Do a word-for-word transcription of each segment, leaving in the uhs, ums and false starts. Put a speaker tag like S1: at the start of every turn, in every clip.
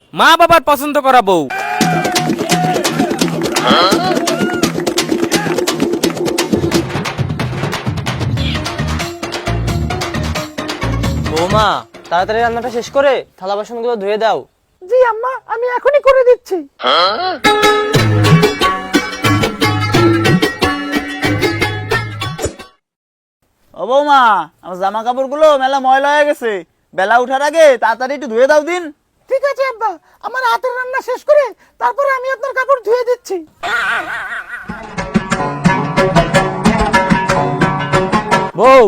S1: মা বাবার পছন্দ করা বউ।
S2: বৌমা তাড়াতাড়ি রান্নাটা শেষ করে থালা বাসনগুলো ধুয়ে দাও।
S3: জি আম্মা, আমি এখনই করে দিচ্ছি।
S4: ও বৌমা, আমার জামা কাপড় গুলো মেলা ময়লা হয়ে গেছে, বেলা উঠার আগে তাড়াতাড়ি একটু ধুয়ে দাও দিন।
S3: ঠিক আছে আব্বা, আমার হাতের রান্না শেষ করে তারপরে আমি আপনার কাপড় ধুয়ে দিচ্ছি।
S1: বউ,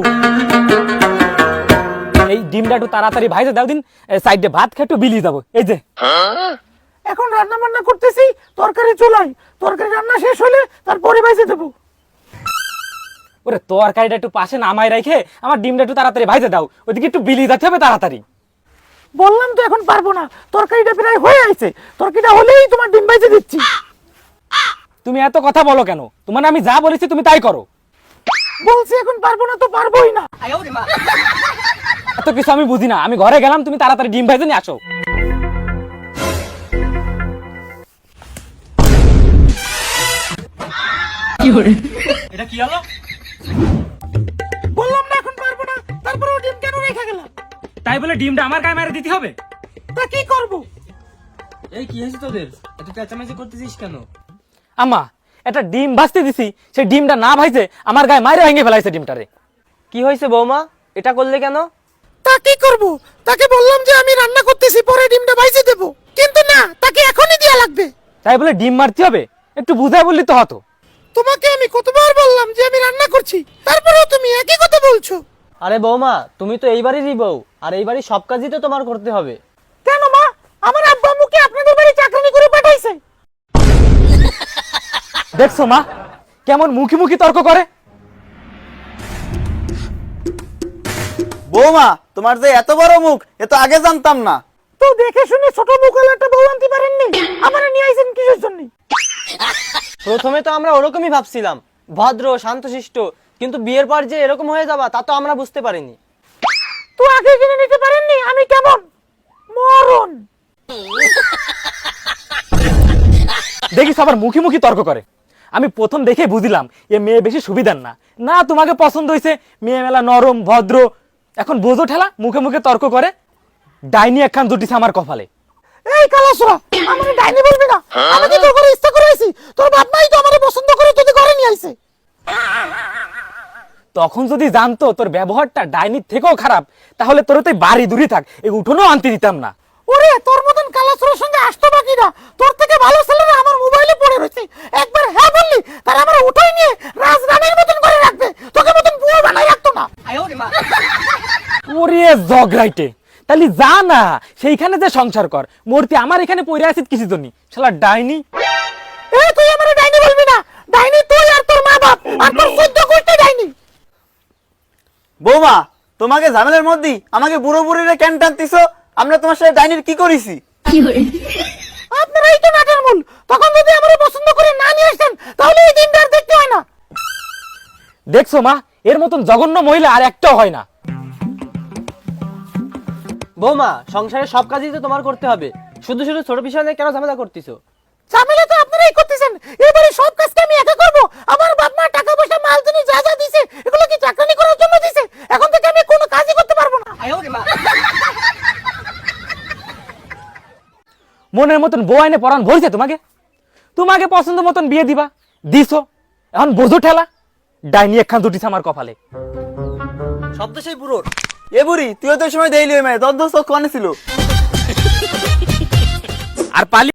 S1: এই ডিমটা একটু তাড়াতাড়ি ভাইজে দাও দিন, সাইডে ভাত খেয়ে একটু বিলি যাবো। এই যে
S3: এখন রান্না বান্না করতেছি, তরকারি চুলাই, তরকারি রান্না শেষ হলে তারপরে বাইজে দেবো।
S1: ওরে তরকারিটা একটু পাশে নামাই রেখে আমার ডিমটা একটু তাড়াতাড়ি ভাইজে দাও, ওইদিকে একটু বিলি যেতে হবে তাড়াতাড়ি।
S3: বললাম তো এখন পারবো না, তরকারিটা প্রায় হয়ে আছে, তরকারিটা হলেই তোমার ডিম বাইজে দিচ্ছি।
S1: তুমি এত কথা বলো কেন? তোমার আমি যা বলেছি তুমি তাই করো।
S3: বলছি এখন পারবো না তো পারবোই না।
S1: এত কিছু আমি বুঝি না, আমি ঘরে গেলাম, তুমি তাড়াতাড়ি ডিম ভাইজে নিয়ে আসো। এটা কি হলো?
S3: বললাম না এখন পারবো না, তারপরে ডিম কেন রেখে গেলাম?
S1: তাই বলে ডিমটা আমার গায়ে মেরে দিতে হবে?
S3: তা কি করবো?
S2: এই কি হয়েছে তোদের, এত চেঁচামেচি করতেছিস কেন?
S1: আম্মা, একটা ডিম ভাজতে দিছি, সেই ডিমটা না ভাইজে আমার গায়ে মাইরে ভেঙে ফেলাইছে ডিমটারে।
S2: কি হয়েছে বৌমা, এটা করলে কেন?
S3: তা কি করবো? তাকে বললাম যে আমি রান্না করতেছি, পরে ডিমটা বাইজে দেবো, কিন্তু না, তাকে এখনই দেয়া লাগবে।
S1: তাই বলে ডিম মারতে হবে? একটু বুঝাই বললি তো হতো।
S3: তোমাকে আমি কতবার বললাম যে আমি রান্না করছি, তারপরেও তুমি একই কথা বলছো।
S2: আরে বৌমা, তুমি তো এই বাড়িরই বউ, আর এই বাড়ির সব কাজই তো তোমার করতে হবে।
S3: কেন মা, আমার আব্বা আম্মুকে আপনাদের বাড়ি চাকরানি করে পাঠাইছে?
S1: দেখছো মা কেমন মুখি মুখি তর্ক করে?
S4: বৌমা, তোমার যে এত বড় মুখ, এ তো আগে জানতাম না।
S3: তো দেখে শুনে ছোট মুখের একটা বউ আনতে পারেননি, আমার নিয়ে আইছেন কিসের জন্য?
S2: প্রথমে তো আমরা ওরকমই ভাবছিলাম, ভদ্র শান্তশিষ্ট, কিন্তু বিয়ের পর যে এরকম হয়ে যাবা তা তো আমরা বুঝতে পারিনি।
S3: তো আগে জেনে নিতে পারেননি আমি কেমন মরণ?
S1: দেখিস আবার মুখি মুখি তর্ক করে। আমি প্রথম দেখে বুঝলাম এ মেয়ে বেশি সুবিধার না। না তোমাকে পছন্দ হয়েছে, মেয়ে মেলা নরম ভদ্র, এখন বোঝো ঠেলা, মুখে মুখে তর্ক করে। ডাইনি একখান জুটিছে আমার কপালে।
S3: এই কালাসুরা, আমারে ডাইনি বলবি না। আমি কি তোর করে ইচ্ছা করে আইছি? তোর বাপ মাই তো আমারে পছন্দ করে তোদের ঘরে নিয়ে আইছে।
S1: তখন যদি জানতো তোর ব্যবহারটা ডাইনির থেকেও খারাপ, তাহলে তোর তো বাড়ি দূরে থাক, এই উঠোনও আনতে দিতাম না।
S3: ওরে তোর মতন কালাসুরের সঙ্গে আসতো বাকি না, তোর থেকে ভালো ছেলেরা আমার মোবাইলে পড়ে রয়েছে। একবার হ্যাঁ বললি, তার আমার উঠাই নিয়ে রাজরানীর মতন করে রাখবে, তোকে মতন বুয়ো বানাই রাখতো না।
S1: ওরে জগরাইটে, তাহলে যা না সেইখানে যে সংসার কর, মূর্তি আমার এখানে পড়ে আছিস কিছু জন্য, শালা ডাইনি।
S3: এই তুই আমারে ডাইনি বলবি না, ডাইনি তুই আর তোর মা বাপ আর তোর চোদ্দ গোষ্ঠী ডাইনি।
S4: বৌমা, তোমাকে ঝামেলার মধ্যে আমাকে বুড়ো বুড়িরে কেন টানতিছো? আমরা তোমার সাথে ডাইনির কি করেছি?
S3: আপনারাই তো নাটের মূল। তখন যদি আমারে পছন্দ করে না নিয়ে আসতেন, তাহলে এই দিনটা আর দেখতে হয় না।
S1: দেখছো মা, এর মতন জঘন্য মহিলা আর একটাও হয় না।
S2: বৌমা, সংসারের সব কাজই তো তোমার করতে হবে, শুধু শুধু ছোট বিষয় নিয়ে কেন ঝামেলা করতেছো?
S3: ঝামেলা তো আপনারাই করতেছেন। এবারে সব কাজটা আমি একা করব? আমার বাপ মা টাকা পয়সা মাল তিনি যা যা দিছে, এগুলো কি চাকরানি করার জন্য দিছে? এখন থেকে আমি কোনো কাজই করতে পারবো না।
S1: মনের মতন বউ আইনে পরান ভরছে তোমাকে, তোমাকে পছন্দ মতন বিয়ে দিবা, দিছো, এখন বোঝো ঠেলা, ডাইনি একখান জুটিছে আমার কপালে।
S2: শব্দ সেই বুড়োর।
S4: এ বুড়ি, তুইও তো ওই সময় দেইলি ওই মেয়ে, তোর দোস্ত কনে ছিল?
S1: আর পালি